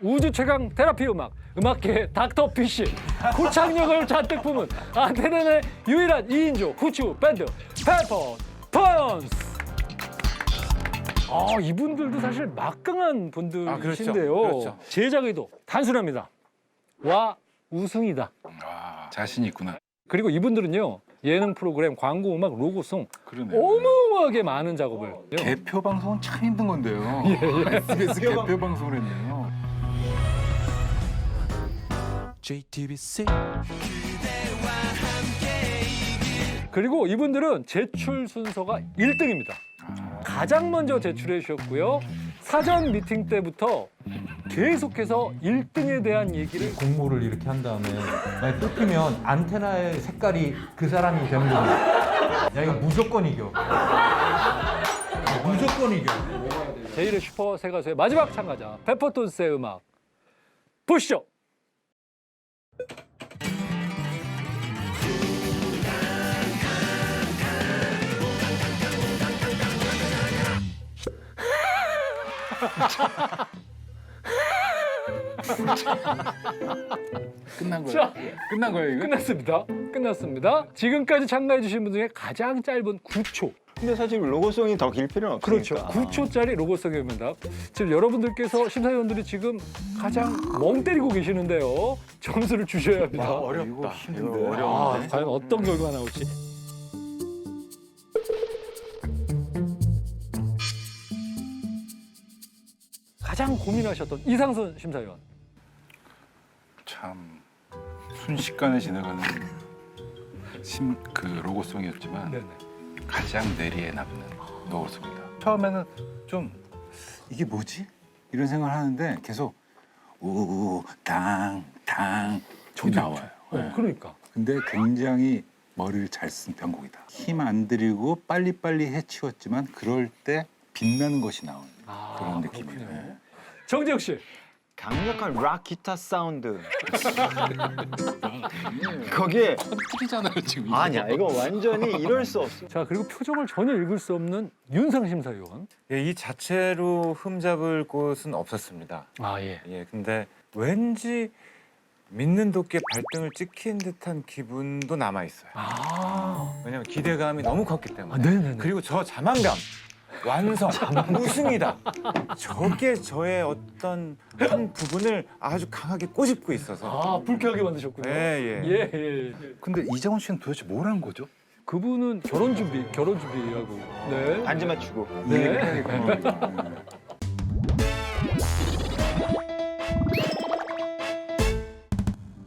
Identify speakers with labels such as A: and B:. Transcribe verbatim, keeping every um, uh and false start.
A: 우주 최강 테라피 음악, 음악계의 닥터 피쉬, 구창력을 잔뜩 품은 아테네의 유일한 이인조 후추 밴드 페퍼 톤스. 아, 이분들도 사실 막강한 분들이신데요.
B: 아, 그렇죠. 그렇죠.
A: 제작 의도 단순합니다. 와 우승이다.
C: 와, 자신이 있구나.
A: 그리고 이분들은요 예능 프로그램, 광고 음악, 로고송
C: 그러네요.
A: 어마어마하게 많은 작업을 해요.
C: 개표 방송은 참 힘든 건데요. 에스비에스 개표 방송을 했네요.
D: 제이티비씨
A: 그리고 이분들은 제출 순서가 일 등입니다. 가장 먼저 제출해 주셨고요. 사전 미팅 때부터 계속해서 일 등에 대한 얘기를
E: 공모를 이렇게 한 다음에 만약 뽑히면 안테나의 색깔이 그 사람이 되는 겁니다. 야 이거 무조건 이겨. 무조건 이겨.
A: 제일의 슈퍼 세 가수의 마지막 참가자 페퍼톤스의 음악 보시죠.
C: 끝난 거예요?
A: 자,
C: 끝난 거예요, 이거?
A: 끝났습니다. 끝났습니다. 지금까지 참가해 주신 분 중에 가장 짧은 구 초.
F: 근데 사실 로고송이 더 길 필요는
A: 그렇죠.
F: 없으니까.
A: 구 초짜리 로고송의 음악. 지금 여러분들께서 심사위원들이 지금 가장 멍 때리고 계시는데요. 점수를 주셔야 합니다.
C: 와, 어렵다. 이거 힘든데.
A: 아, 과연 어떤 결과가 나올지. 가장 고민하셨던 이상선 심사위원.
C: 참 순식간에 지나가는 심, 그 로고송이었지만
A: 네네.
C: 가장 뇌리에 남는 로고송이다. 처음에는 좀 이게 뭐지? 이런 생각을 하는데 계속 우당당 이 나와요.
A: 어,
C: 네.
A: 그러니까.
C: 근데 굉장히 머리를 잘 쓴 편곡이다. 힘 안 들이고 빨리빨리 해치웠지만 그럴 때 빛나는 것이 나오는
A: 아,
C: 그런 느낌이에요.
A: 그렇군요.
C: 네.
A: 정재혁 씨.
F: 강력한 락 기타 사운드. 거기에
C: 틀리잖아요 지금.
F: 아니야 이거 완전히 이럴 수 없어.
A: 자, 그리고 표정을 전혀 읽을 수 없는 윤상 심사위원.
B: 예, 이 자체로 흠잡을 곳은 없었습니다.
A: 아, 예.
B: 예, 근데 왠지 믿는 도끼에 발등을 찍힌 듯한 기분도 남아 있어요.
A: 아,
B: 왜냐면 기대감이 너무 컸기 때문에.
A: 아 네네네.
B: 그리고 저 자만감, 완성, 우승이다. 저게 저의 어떤 한 부분을 아주 강하게 꼬집고 있어서.
A: 아, 불쾌하게 만드셨군요.
B: 예, 예.
A: 예, 예.
C: 근데 이장훈 씨는 도대체 뭘 한 거죠?
A: 그분은 결혼 준비, 결혼 준비하고. 네.
F: 반지 맞추고.
A: 네.
C: 이 얘기를 해야겠구나.